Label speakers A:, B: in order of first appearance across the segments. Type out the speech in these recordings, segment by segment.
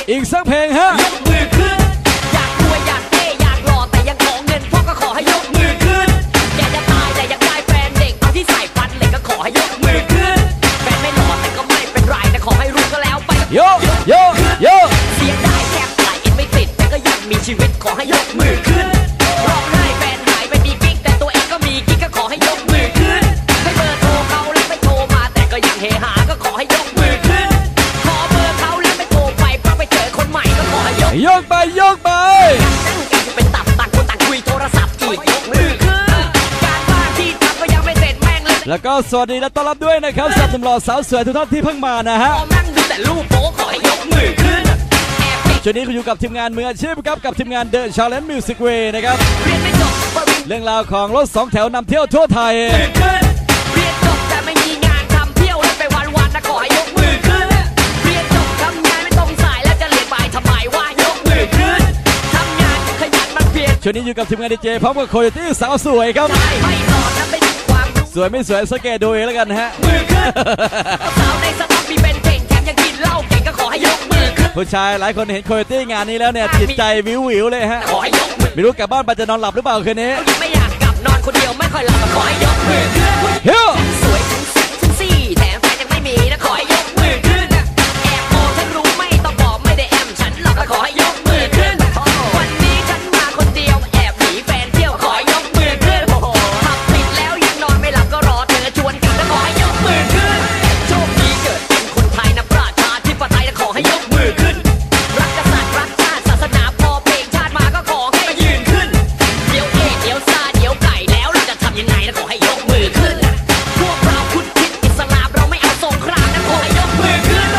A: อีกสักเพลงฮะ
B: ยกมือขึ้นอยากรวยอยากเท่อยากหล่อแต่ยังขอเงินพ่อก็ขอให้ยกมือขึ้นอยากจะตายแต่อยากได้แฟนเด็กเอาที่ใส่ฟันเหล็กก็ขอให้ยกมือขึ้นแฟนไม่หล่อแต่ก็ไม่เป็นไรแต่ขอให้รู้ก็แล้วไป
A: โยโยโย
B: เสียดายแทบตายอินไม่ติดแต่ก็ยังมีชีวิตขอให้ยกมือขึ้นร้องไห้แฟนหายไปมีกิ๊กแต่ตัวเองก็มีกิ๊กก็ขอให้ยกมือขึ้นให้เบอร์โทรเขาแล้วไม่โทรมาแต่ก็ยังเฮฮาก็ขอให้ยกมือขึ้นขอเบอร์เขาแล้วไม่โทรไปเพราะไปเจอคนใหม่ก็ขอให้ยก
A: ไปยกไป
B: นั่งกันเป็นตับต่างคนต่างคุยโทรศัพท์อีกยกมือขึ้นการบ้านที่ทำก็ยังไม่เสร็จแม่งเลย
A: แล้วก็สวัสดีและต้อนรับด้วยนะครับสำหรับหนุ่มหล่อสาวสวยทุกท่านที่เพิ่งมานะฮะ
B: นั่งดูแต่รูปโป๊ขอให้ยกมือขึ้น
A: ช่วงนี้คุณอยู่กับทีมงานมืออาชีพครับกับทีมงาน The Challenge Music Way นะครับเรื่องราวของรถ2แถวนำเที่ยวทั่วไทย
B: เรียนจบแต่ไม่มีงานทำเที่ยวแล้วไปวันนะขอให้ยกมือขึ้นเรียนจบทำงานไม่ตรงสายแล้วจะเรียนบ่ายทำไมว่ายกมือขึ้นทำงานขยันมันเพียร
A: ช่วงนี้อยู่กับทีมงานดีเจพร้อมกับโคโยตี้สาวสวยครับ
B: ไม่สอนนะไม่มีความ
A: สวยไม่สวยสังเกตดูเองแล้วกันฮะ
B: มือขึ้นสาวในสต็อกมีเป็นเก่งแถมยังกินเหล้าเก่งก็ขอให้ยกมือขึ้น
A: ผู้ชายหลายคนเห็นโคโยตี้งานนี้แล้วเนี่ยจิตใจวิวเลยฮะ
B: ขอให้ยกมือ
A: ไม่รู้กลับบ้านไปจะนอนหลับหรือเปล่าคืนนี้
B: ไม่อยากกลับนอนคนเดียวไม่ค่อยหลับขอให้ยกมือขึ้นสวยทั้งแซ่บทั้งซี่แถมแฟนยังไม่มีนะขอให้ยกมือขึ้นแอบโอฉันรู้ไม่ต้องบอกไม่ได้แอมฉันหรอกขอให้ยกมือขึ้นวันนี้ฉันมาคนเดียวแอบหนีแฟนเที่ยวขอให้ยกมือขึ้นทำผิดแล้วยังนอนไม่หลับก็รอเธอชวนกันแล้วขอให้ยกมือขึ้นโชคดีเกิดเป็นคนไทยนะประชาธิปไตยขอให้ยกมือขึ้นรักกษัตริย์รักชาติศาสนาพอเพลงชาติมาก็ขอให้ยืนขึ้นเดี๋ยวเดี๋ยวซาเดี๋ยวไก่แล้วเราจะทำยังไงนะขอให้ยกมือขึ้นพวกเราพุทธคิดอิสลามเราไม่เอาสงครามนะขอให้ยกมือขึ้น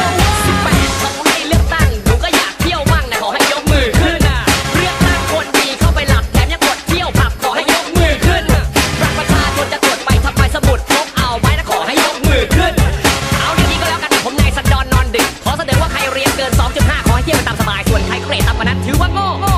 B: 18เขาให้เลือกตั้งหนูก็อยากเที่ยวมั่งนะขอให้ยกมือขึ้นเลือกตั้งคนดีเข้าไปหลับแถมยังกดเที่ยวผับขอให้ยกมือขึ้นรักประชาชนจะตรวจไปทำไมสมุดพกเอาไว้นะขอให้ยกมือขึ้นเอาอย่างนี้ก็แล้วกันผมนายสันดอนนอนดึกขอเสนอว่าใครเรียนเกิน 2.5 ขอให้เที่ยวไปตามสบายส่วนใครเกรดต่ำกว่านั้นถือว่าโง่